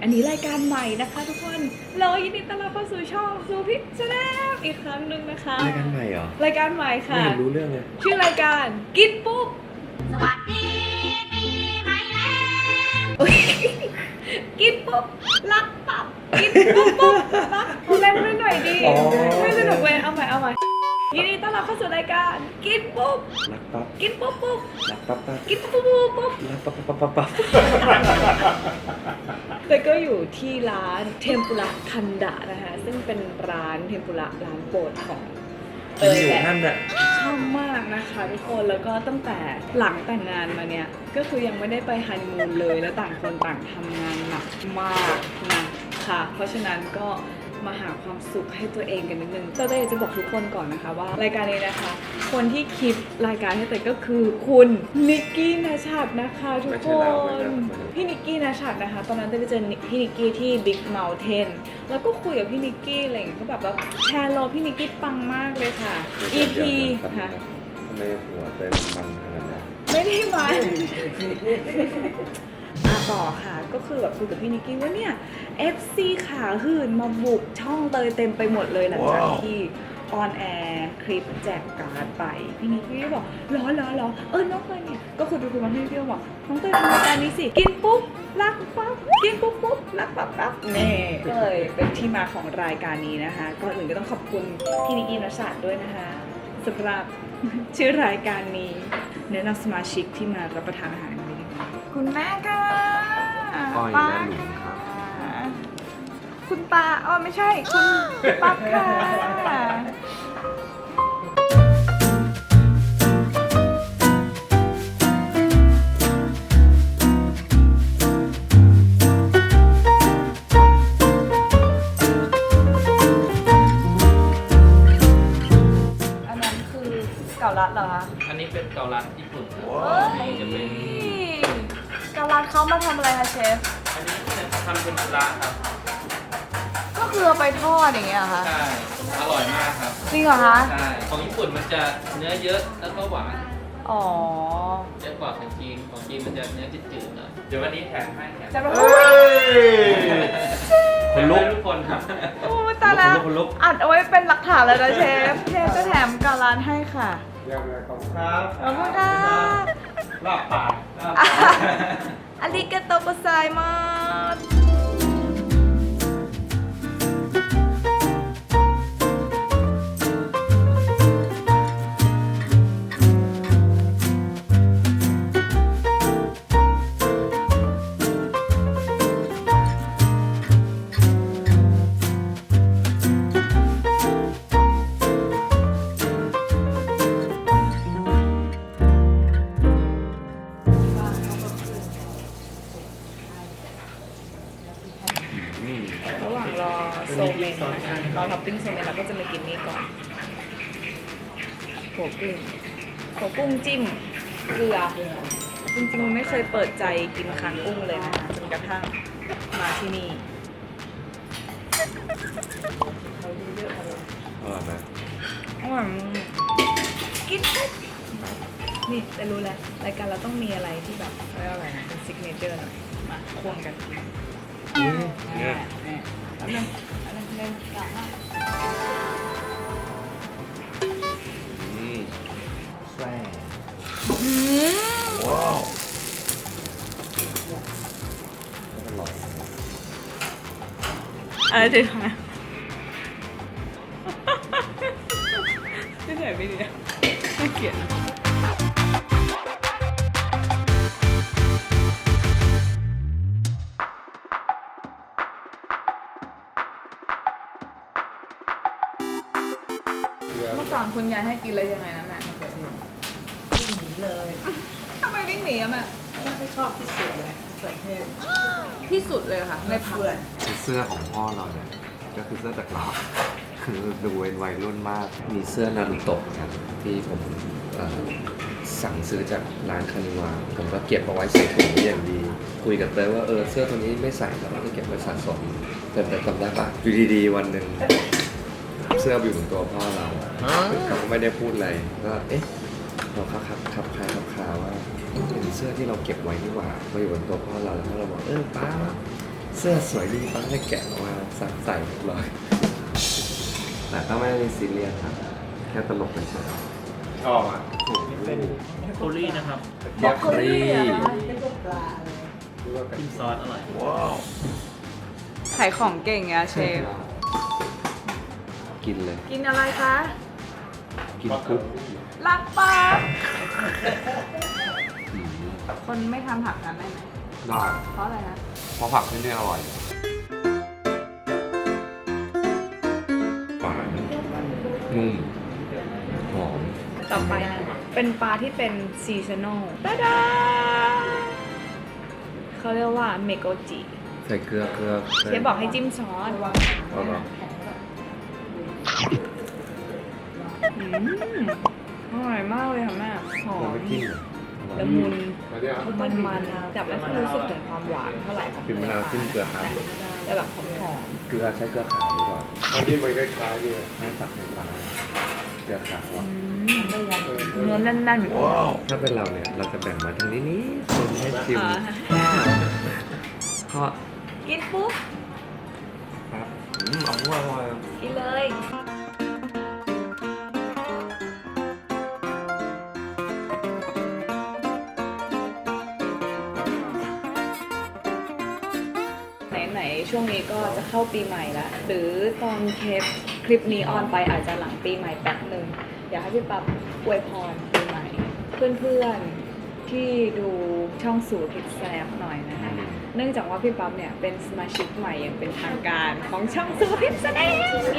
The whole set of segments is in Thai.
อันนี้รายการใหม่นะคะทุกคนเรายินดีต้อนรับเข้าสู่ช่องซูพิชชาแนลอีกครั้งหนึ่งนะคะรายการใหม่เหรอรายการใหม่ค่ะไม่เห็นรู้เรื่องเลยชื่อรายการกินปุ๊บสวัสดีปีใหม่แล้วกินปุ๊บรักปั๊บกินปุ๊บปุ๊บรักเล่นไม่หน่อยดีไม่สนุกเว้ยเอาใหม่ยินดีต้อนรับเข้าสู่รายการกินปุ๊บรักปั๊บกินปุ๊บปุ๊บรักปั๊บปั๊บกินปุ๊บปุ๊บปุ๊บรักปั๊บปั๊บปั๊บปั๊บแต่ก็อยู่ที่ร้านเทมปุระคันดะนะคะซึ่งเป็นร้านเทมปุระร้านโปรดของอยู่ท่านอะชอบมากนะคะทุกคนแล้วก็ตั้งแต่หลังแต่งงานมาเนี่ยก็คือยังไม่ได้ไปฮันนีมูนเลยแล้วต่างคนต่างทำงานหนักมากนะคะเพราะฉะนั้นก็มาหาความสุขให้ตัวเองกันนิดนึงแต่อยากจะบอกทุกคนก่อนนะคะว่ารายการนี้นะคะคนที่คิดรายการให้เตยก็คือคุณนิกกี้ณชัดนะคะทุกคนพี่นิกกี้ณชัดนะคะตอนนั้นเตยไปเจอพี่นิกกี้ที่ Big Mountain แล้วก็คุยกับพี่นิกกี้อะไรอย่างเงี้ยก็แบบว่าแชร์โลพี่นิกกี้ปังมากเลยค่ะ EP ค่ะทำไมหัวเต็มมันขนาดนั้นไม่ได้มาต่อค่ะก็คือแบบคุยกับพี่นิกกี้ว่าเนี่ย FC ขาหื่นมาบุกช่องเตยเต็มไปหมดเลยหลังจากที่ออนแอร์คลิปแจกการ์ดไปพี่นิกกี้บอกล้อน้องเตยเนี่ยก็คือดูมาพี่นิกกี้บอกน้องเตยทำรายการนี้สิกินปุ๊บรักปั๊บกินปุ๊บรักปั๊บเน่ก็เลยเป็นที่มาของรายการนี้นะคะก่อนอื่นก็ต้องขอบคุณพี่นิกกี้ณชัดด้วยนะคะสำหรับชื่อรายการนี้แนะนำสมาชิกที่มารับประทานอาหารวันนี้คุณแม่ค่ะป้าหลุมครับคุณป้าไม่ใช่คุณปั๊บค่ะอันนั้นคือเก่าลัดเหรอคะอันนี้เป็นเกาลัดญี่ปุ่นครับจะเป็นเก่าลัดเขามาทำอะไรคะเชฟอันนี้จะทำเป็นปลาครับก็คือเอาไปทอดอย่างเงี้ยค่ะใช่อร่อยมากครับจริงเหรอคะใช่ของญี่ปุ่นมันจะเนื้อเยอะแล้วก็หวานอ๋อเยอะกว่าของจีนมันจะเนื้อจืดๆหน่อยเดี๋ยววันนี้แถมให้จะแบบคนลุกทุกคนครับโอ้ตายแล้วอัดเอาไว้เป็นหลักฐานเลยนะเชฟจะแถมกาลานให้ค่ะเรียบร้อยขอบคุณครับขอบคุณค่ะลาบปากอาริกาโตโกไซมัสระหว่างรอโซเมนนะคะรอท็อปปิ้งโซเมนเราก็จะมากินนี่ก่อนหัวกุ้งจิ้มเกลือจริงๆไม่เคยเปิดใจกินคางกุ้งเลยนะคะจนกระทั่งมาที่นี่เขาเยอะๆเลยอร่อยไหมอร่อยกินนี่แต่รู้แล้วรายการเราต้องมีอะไรที่แบบอะไรเป็นซิกเนเจอร์หน่อยมาควงกันเนี่ยแล้วนึงกลับมาแซ่ว้าวอร่อยอะไรดีคะไม่ใช่ไม่ดีไม่เกลียดเมื่อก่อนคุณยายให้กินอะไรยังไงนะแม่วิ่งหนีเลยทำไมวิ่งหนีอะแม่ไม่ชอบที่สุดเลยเปิดเทศที่สุดเลยค่ะในพักเสื้อของพ่อเราเนี่ยก็คือเสื้อจากเราคือดูเป็นวัยรุ่นมากมีเสื้อนารูโตะครับที่ผมสั่งซื้อจากร้านคานิวาผมก็เก็บเอาไว้ใส่ถุงอย่างดีคุยกับเต้ว่าเสื้อตัวนี้ไม่ใส่แล้วก็เก็บไว้สะสมแต่จำได้ปะอยู่ดีๆวันหนึ่งเสื้ออยู่บนตัวพ่อเราเขาก็ไม่ได้พูดอะไรก็เราขับคาว่าเป็นเสื้อที่เราเก็บไว้นี่หว่ามาอยู่บนตัวพ่อเราแล้วเราบอกป้าเสื้อสวยดีตอนแรกแกะออกมาใส่เรียบร้อยแต่ก็ไม่ได้ซีเรียสครับแค่ตลกเฉยๆชอบอ่ะโคลี่นะครับบล็อกโคลี่เป็นตัวปลาเลยจิ้มซอสอร่อยขายของเก่งอะเชฟกินเลยกินอะไรคะกินปุ๊บลักปลาอืมคนไม่ทานผักกันได้ไหมได้เพราะอะไรนะเพราะผักที่นี่อร่อยหวานนุ่มหอมต่อไปเป็นปลาที่เป็นซีซันอลตาดาเขาเรียกว่าเมโกจิใส่เกลือเชฟบอกให้จิ้มซอสเอาเหรออร่อยมากเลยค่ะแม่หอเรามไม่กินเหรอละมุนมันแต่ไม่ค่อยรู้สึกถึงความหวานเท่าไหร่ของกินมะนาวจิ้มเกลือครับแต่แบบหอมเกลือใช้เกลือขาวดีกว่าอันนี้มันคล้ายๆเนี่ยไม่ตักในปลาเกลือขาวอ่ะเนื้อแน่นๆถ้าเป็นเราเนี่ยเราจะแบ่งมาทางนี้นี่คนให้ชิมอ่าเพราะกินปุ๊บครับอร่อยกินเลยไหนๆช่วงนี้ก็จะเข้าปีใหม่แล้วหรือตอนคลิปนี้ออนไปอาจจะหลังปีใหม่แป๊บหนึ่งอยากให้พี่ปั๊บอวยพรปีใหม่ เพื่อนๆที่ดูช่องสู่พิกแซมหน่อยนะคะเนื่องจากว่าพี่ปั๊บเนี่ยเป็นสมาชิกใหม่อย่างเป็นทางการของช่องสู่พิกแซมเย้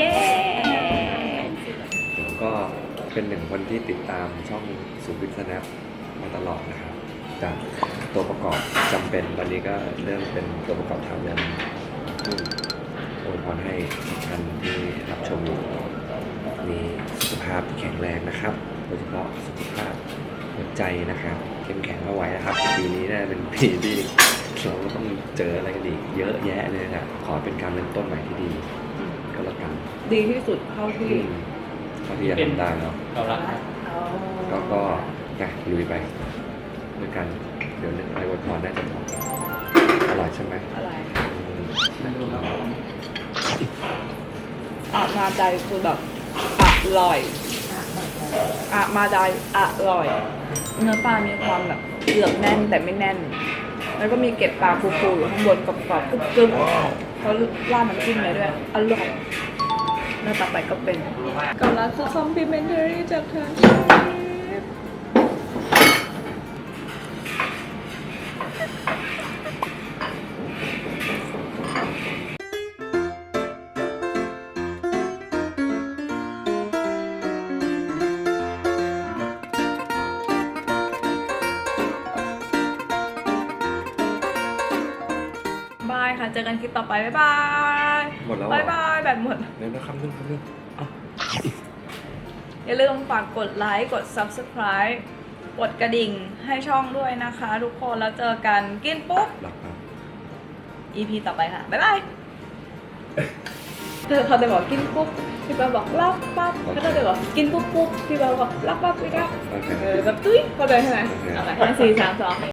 ผมก็เป็นหนึ่งคนที่ติดตามช่องสูบิสแนปมาตลอดนะครับจากตัวประกอบจำเป็นวันนี้ก็เริ่มเป็นตัวประกอบถาวรอวยพรให้ทุกท่านที่รับชมอยู่มีสุขภาพที่แข็งแรงนะครับโดยเฉพาะสุขภาพหัวใจนะครับเข้มแข็งเอาไว้นะครับปีนี้น่าจะเป็นปีที่เราก็ต้องเจออะไรกันอีกเยอะแยะเลยนะครับขอเป็นการเริ่มต้นใหม่ที่ดีก็แล้วกันดีที่สุดเท่าที่เท่าที่จะทำได้แล้วเรารักนะก็นะลุยไปด้วยกันเดี๋ยวนึกอะไรอวยพรน่าจะพออร่อยใช่ไหมอะไรอืมมาใจคือแบบอร่อยมาใจอร่อย เนื้อปลามีความแบบเกือบแน่นแต่ไม่แน่น แล้วก็มีเกล็ดปลาฟูๆอยู่ข้างบนกรอบๆกรึบๆเขาราดน้ำจิ้มเลยด้วยอร่อยแล้วต่อไปก็เป็นกำลังคือคอมพลีเมนทารี่จากทางเชฟบายค่ะ เจอกันคลิปต่อไป บ๊ายบายหมดแล้วเหรอบ๊ายบายแบบหมดเดี๋ยวนะคำนึงอ้าวอย่าลืมฝากกดไลค์ กด Subscribe กดกระดิ่งให้ช่องด้วยนะคะทุกคน แล้วเจอกันกินปุ๊บหลับครับ EP ต่อไปค่ะ บ๊ายบาย เขาจะบอกกินปุ๊บ พี่ปาบอกรักปั๊บเขาจะบอกกินปุ๊บปุ๊บ พี่ปาบอกรักปั๊บพี่รักโอเคแบบตุ้ยเข้าใจใช่ไหมโอเคเอาไป5 4 3 2